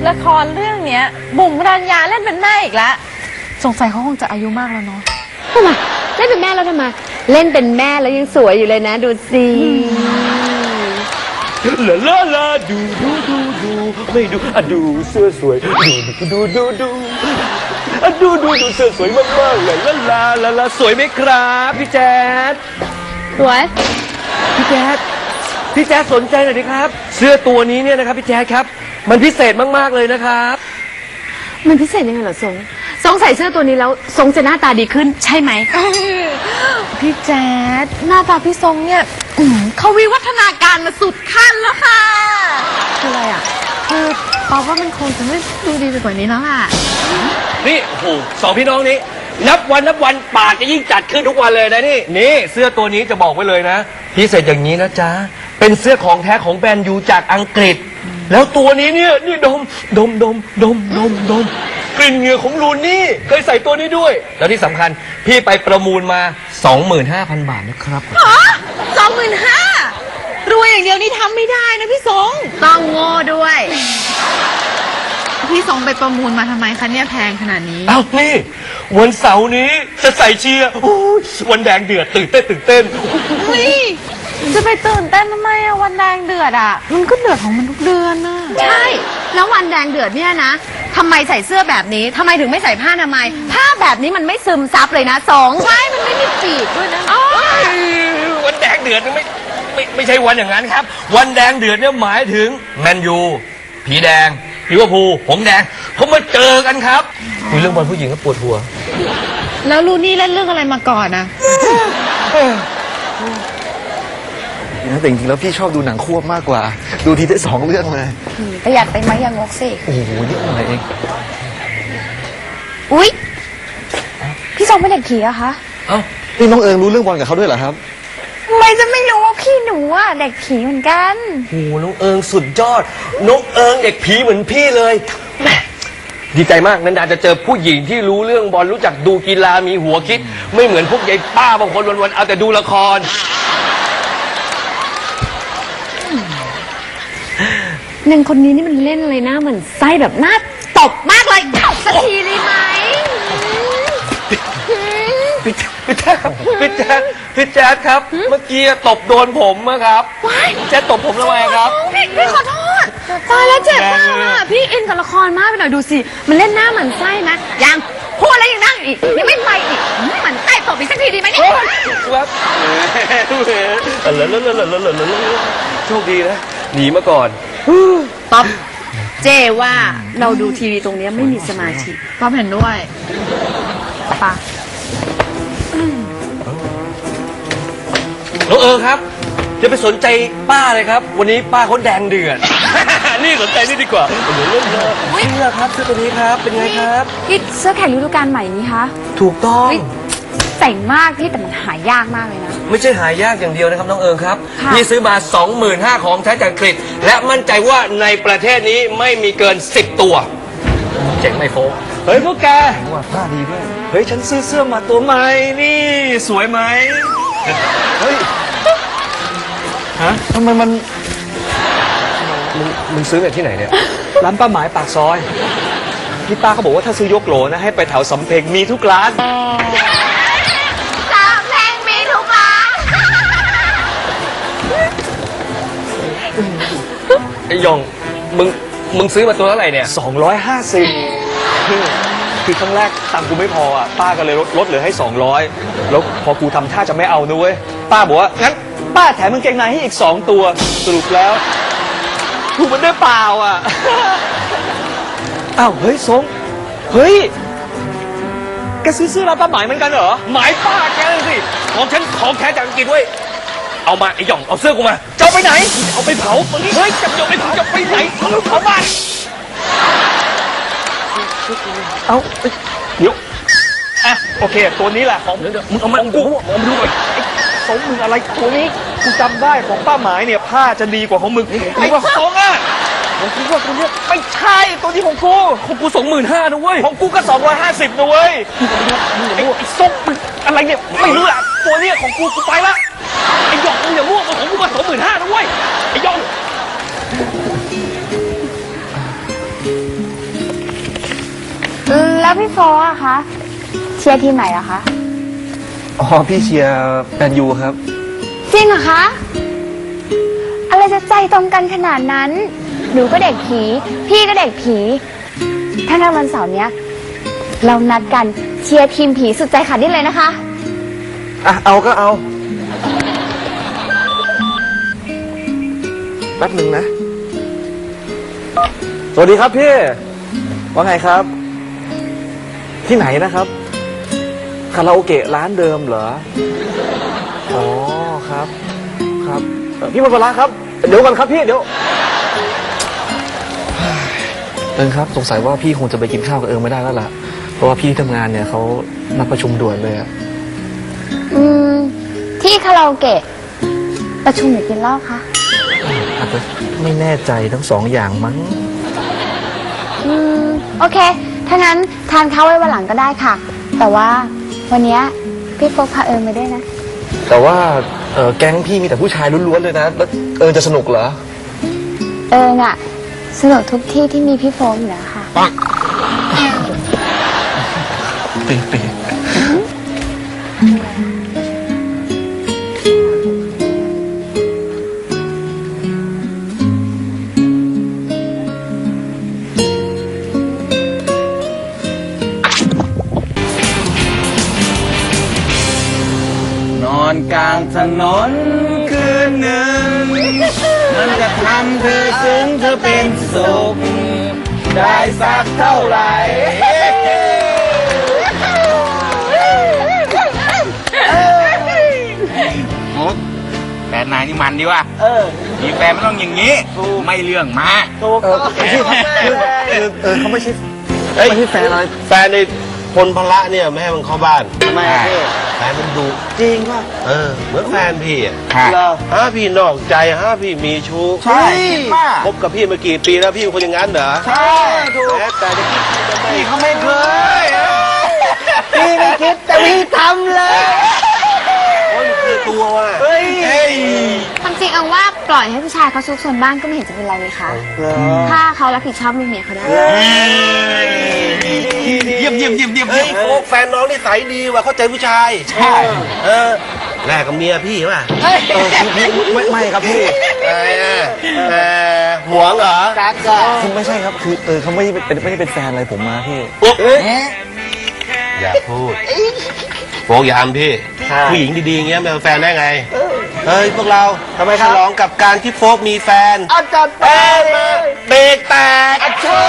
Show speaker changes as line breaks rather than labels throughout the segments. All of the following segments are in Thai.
ละครเรื่องเนี้ยบุ๋มรัญญาเล่นเป็นแม่อีกแล้วสงสัยเขาคงจะอายุมากแล้วเนาะ
ทำไมเล่นเป็นแม่แล้วทำไมเล่นเป็นแม่แล้วยังสวยอยู่เลยนะดูสิ
ลาลาลาดูไม่ดูอ่ะดูเสื้อสวยดูดูอ่ะดูเสื้อสวยมากๆเลยลาสวยไหมครับพี่แจ๊ด
สวย
พี่แจ๊ดสนใจหน่อยดิครับเสื้อตัวนี้เนี่ยนะครับพี่แจ๊ดครับมันพิเศษมากๆเลยนะครับ
มันพิเศษยังไงเหรอทรงใส่เสื้อตัวนี้แล้วทรงจะหน้าตาดีขึ้นใช่ไหม
พี่แจ๊ดหน้าตาพี่ทรงเนี่ยเขาวิวัฒนาการมาสุดขั้นแล้วค่ะคืออะไรอ่ะคือปอว่ามันคงจะไม่ดูดีไปกว่านี้แล้วค่ะ
นี่โอ้โหสองพี่น้องนี้นับวันปากจะยิ่งจัดขึ้นทุกวันเลยนะนี่เสื้อตัวนี้จะบอกไว้เลยนะพิเศษอย่างนี้นะจ๊ะเป็นเสื้อของแท้ของแบรนด์ยูจากอังกฤษแล้วตัวนี้เนี่ยนี่ดมกลิ่นเหงื่อของลูนี่เคยใส่ตัวนี้ด้วยแล้วที่สำคัญพี่ไปประมูลมา 25,000 บาทนะครับ
25,000รวยอย่างเดียวนี่ทำไม่ได้นะพี่สง
ต้องโง่ด้วย
พี่สงไปประมูลมาทำไมคะเนี่ยแพงขนาดนี้
อ้าวนี่วันเสาร์นี้จะใส่เชียร์วันแดงเดือดตื่นเต้น
จะไปตื่นเต้นทำไมอะวันแดงเดือดอะมันก็เดือดของมันทุกเดือนน่ะ
ใช่แล้ววันแดงเดือดเนี่ยนะทำไมใส่เสื้อแบบนี้ทำไมถึงไม่ใส่ผ้าอนามัยผ้าแบบนี้มันไม่ซึมซับเลยนะ
ใช่มันไม่มีปีกด้วยนะ
วันแดงเดือดไม่ใช่วันอย่างนั้นครับวันแดงเดือดเนี่ยหมายถึงแมนยูผีแดงลิเวอร์พูลหงแดงเขามาเจอกันครับคุยเรื่องบอลผู้หญิงก็ปวดหัว
แล้วลูนี่เล่นเรื่องอะไรมาก่อนนะ
แต่จริงๆแล้วพี่ชอบดูหนังควบมากกว่าดูทีได้2 เรื่องเลย
ประหยัดไปไหมอย่างงกสิ
โอ้โหนิดหน่อยเอง
อุ๊ยพี่สองเป็นเด็กผีอะคะ
เอ้านี่น้องเอิงรู้เรื่องบอลกับเขาด้วยเหรอครับ
ทำไมจะไม่รู้ว่าพี่หนูอะเด็กผีเหมือนกัน
โอ้น้องเอิงสุดยอดน้องเอิงเด็กผีเหมือนพี่เลยดีใจมากนันดาจะเจอผู้หญิงที่รู้เรื่องบอลรู้จักดูกีฬามีหัวคิดไม่เหมือนพวกยายป้าบางคนวันๆเอาแต่ดูละคร
นางคนนี้นี่มันเล่นอะไรนะเหมือนไส้แบบหน้าตบมากเลยตบสักทีเลยไหม
พี่แจ๊ดครับเมื่อกี้ตบโดนผมครับแจ๊ดตบผมทำไมครับ
พี่ขอโทษตายแล้วเจ็บมากอ่ะพี่อินกับละครมากไปหน่อยดูสิมันเล่นหน้าเหมือนไส้นะยังพูดแล้วยังนั่งอีกยังไม่ไปอีกเหมือนไส้ตบอีกสักทีดีไหมเนี่ย
ครับโชคดีนะหนีมาก่อน
ป๊อปเจว่าเราดูทีวีตรงนี้ไม่มีสมาธิ
ป๊อปเห็นด้วยป่ะ
น้องครับจะไปสนใจป้าเลยครับวันนี้ป้าเขาแดงเดือดนี่สนใจนี่ดีกว่าเดี๋ยวเล่นเลยเสื้อครับเสื้อตัวนี้ครับเป็นไงครับ
พี่เสื้อแข่งฤดูกาลใหม่นี้คะ
ถูกต้อง
เจ๋งมากพี่แต่มันหายากมากเลยนะ
ไม่ใช่หายากอย่างเดียวนะครับน้องเอิงครับพี่ซื้อมา 25,000ของแท้จากอังกฤษและมั่นใจว่าในประเทศนี้ไม่มีเกิน10 ตัวเจ๋งไหมโฟกเฮ้ยพวกแก
ว่าผ้าดีด้วย
เฮ้ยฉันซื้อเสื้อมาตัวใหม่นี่สวยไหม
เฮ้ยฮะทำไมมัน
มึงซื้อจากที่ไหนเนี่ย
ร้านป้าหมายปากซอยพี่ป้าเขาบอกว่าถ้าซื้อยกโหลนะให้ไปแถวสำเพ็งมีทุกร้าน
ไอ้ยองมึงซื้อมาตัวเท่าไหร่เนี่ย
250คือครั้งแรกตังค์กูไม่พออ่ะป้าก็เลยลดเหลือให้200แล้วพอกูทำท่าจะไม่เอานะเว้ยป้าบอกว่างั้นป้าแถมกางเกงในให้อีก2 ตัวสรุปแล้วถูกมันได้เปล่าอ่ะอ้าวเฮ้ยสงเฮ้ยแกซื้อเสื้อร้านป้าหมายเหมือนกันเหรอ
หมายป้าแกเลยสิของฉันของแท้จากอังกฤษเว้ยเอามาไอ้หย่องเอาเสื้อกูมาจะเอาไปไหนเอาไปเผาเฮ้ยจะเอาไปเผาจะไปไหนเอาเผาบ้าน
เอาเดี๋ยวอ่ะโอเคตัวนี้แหละของ
มึงเอามากูเอามาดูหน่อย
สงมึงอะไรตัวนี้กูจำได้ของป้าหมายเนี่ยผ้าจะดีกว่าของมึงไอ้สงอ่ะของกูว่าตัวนี้ไม่ใช่ตัวนี้ของกู
25,000นะเว้ย
ของกูก็250นะเว้ยไอ้สงมึงอะไรเนี่ยไม่รู้อ่ะตัวนี้ของกูไปละไอ้หยองมึงอย่ามั่วของกูก็25,000นะเว้ยไอ้หยอง
แล้วพี่โฟอะคะเชียร์ทีมไหนอะคะ
อ๋อพี่เชียร์แมนยูครับ
จริงเหรอคะอะไรจะใจตรงกันขนาดนั้นหนูก็เด็กผีพี่ก็เด็กผีถ้างั้นวันเสาร์เนี้ยเรานัดกันเชียร์ทีมผีสุดใจขาดดิ้นเลยนะคะ
อ่ะเอาก็เอาแป๊บหนึ่งนะ สวัสดีครับพี่ว่าไงครับ ที่ไหนนะครับคาราโอเกะร้านเดิมเหรออ๋อครับครับพี่มาปลาครับ เดี๋ยวก่อนครับพี่เดี๋ยวครับสงสัยว่าพี่คงจะไปกินข้าวกับไม่ได้แล้วล่ะเพราะว่าพี่ที่ทำงานเนี่ยเขานัดประชุมด่วนเลยอะ
ที่คาราโอเกะประชุมหรือกินเหล้าคะ
อาจจะไม่แน่ใจทั้งสองอย่างมั้ง
โอเคถ้างั้นทานข้าวไว้วันหลังก็ได้ค่ะ แต่ว่าวันเนี้ยพี่โฟกพามาด้วยนะ
แต่ว่าแก๊งพี่มีแต่ผู้ชายล้วนๆเลยนะแล้วจะสนุกเหรอ
น่ะสนุกทุกที่ที่มีพี่โฟกอยู่แล้วค่ะ
ปี
นอนกลางถนนคืนหนึ่ง มันจะทำเธอซึ้งเธอเป็นสุข ได้สักเท่าไหร่มุกแฟนนายนี่มันดีว่ะมีแฟนไม่ต้องอย่างนี้ ไม่เรื่องมาก
เขาไม่ใช่
เฮ้ย
ไม่ใช่แฟนอะไร
แฟนในพลพละเนี่ยไม่ให้มันเข้าบ้าน
ทำไมพี่
แฟนมันดุ
จริงป่ะ
เหมือนแฟนพี่อ่ะ
เหรอ
พี่นอกใจพี่มีชู้
ใช่คิดว่า
คบกับพี่มากี่ปีแล้วพี่เป็นคนอย่างนั้นเหรอ
ใช่ถูก
แม้แต่จะคิดก็ไม่
พี่เขาไม่เคยพี่ไม่คิดแต่พี่ทำเลย
คนคือตัวว่ะ
เฮ้ย
ความจริงเอาว่าปล่อยให้ผู้ชายเขาซุกซนบ้างก็ไม่เห็นจะเป็นไรเลยค่ะ ถ้าเขารับผิดชอบลูกเมียเขาได้
เยี่ยมเยี่ยมเยี่ยมเยี่ยม
เฮ้ยโฟกแฟนน้องนี่ใสยดีว่ะเข้าใจผู้ชาย
ใช่
แลกกับเมียพี่ป่ะ
ไม่ครับพี่
หวงเหรอ
คือไม่ใช่ครับคือเขาไม่ได้เป็นแฟนอะไรผมมาพี่
อย่าพูดโฟกอย่าทำพี่ผู้หญิงดีๆอย่างเงี้ยเป็นแฟนได้ไงเฮ้ยพวกเราทำไมฉลองกับการที่โฟกมีแฟน
อาจารย์เป้เลย
เบรกแตก
เชิ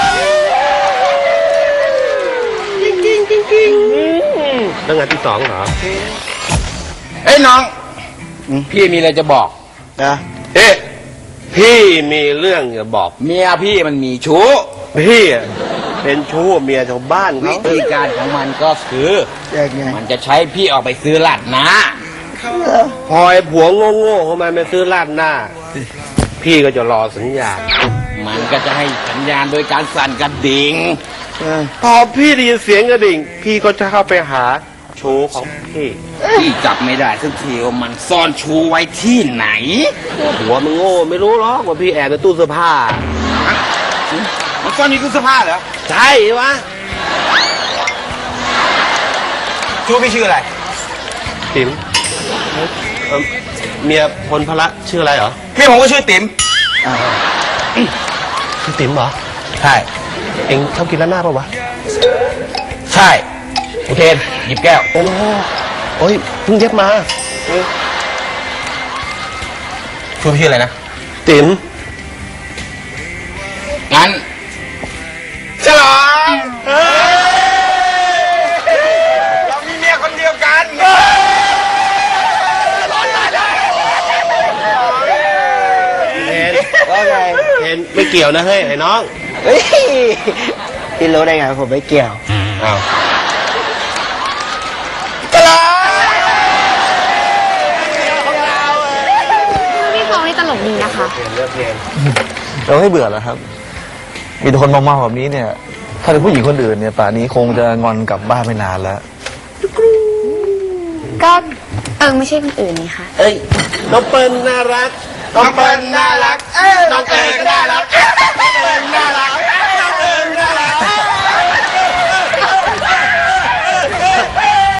ญ
เรื่องงานที่สองเหรอ
เอ้ยน้อง พี่มีอะไรจะบอกนะ
เอ๊ะพี่มีเรื่องจะบอก
เมียพี่มันมีชู้
พี่อะเป็นชู้กับเมียชาวบ้าน
วิ
เขา
ธีการของมันก็คือมันจะใช้พี่ออกไปซื้อลาดหน้า
พอไอ้ผัวโง่ๆเข้ามาไปซื้อราดหน้า พี่ก็จะรอสัญญาณ
มันก็จะให้สัญญาณโดยการสั่นกระดิ่ง
พอพี่ได้ยินเสียงกระดิ่ง พี่ก็จะเข้าไปหาชู้ของพี่
พี่จับไม่ได้สักทีว่ามันซ่อนชูไว้ที่ไหน
หัวมันโง่ไม่รู้หรอกว่าพี่แอบในตู้เสื้อผ้า
มันซ่อนในตู้เสื้อผ้าเหรอ
ใช่วะ
ชูพี่ชื่ออะไร
ติ๋มเมียพลพละชื่ออะไรเหรอ
พี่ผมก็ชื่อติ๋ม
ชื่อติ๋มเหรอ
ใช่
เอ็งชอบกินราดหน้าป่าวะ
ใช่โอเคหยิบแก้ว
โอ้โอ้ยเพิ่งเย็บมา
ชูพี่ชื่ออะไรนะ
ติ๋ม
งั้นฉลองเรามีเมียคนเดียวกัน
เห็นไม่เกี่ยวนะเฮ้ยไอ้น้อง
เฮ้ยพี่รู้ได้ไงผมไม่เกี่ยว
อ้าว
ฉลอง
พี่โฟกนี่ตลกดีนะคะ
เราไม่เบื่อแล้วครับ มีแต่คนเมาๆแบบนี้เนี่ย ถ้าเป็นผู้หญิงคนอื่นเนี่ยป่านนี้คงจะงอนกลับบ้านไม่นานแล้ว
ก็ไม่ใช่คนอื่นนี่ค่ะ
เอ้ยน้องเปิ้ลน่ารัก
น้องเปิ้ลน่ารัก
น้องเ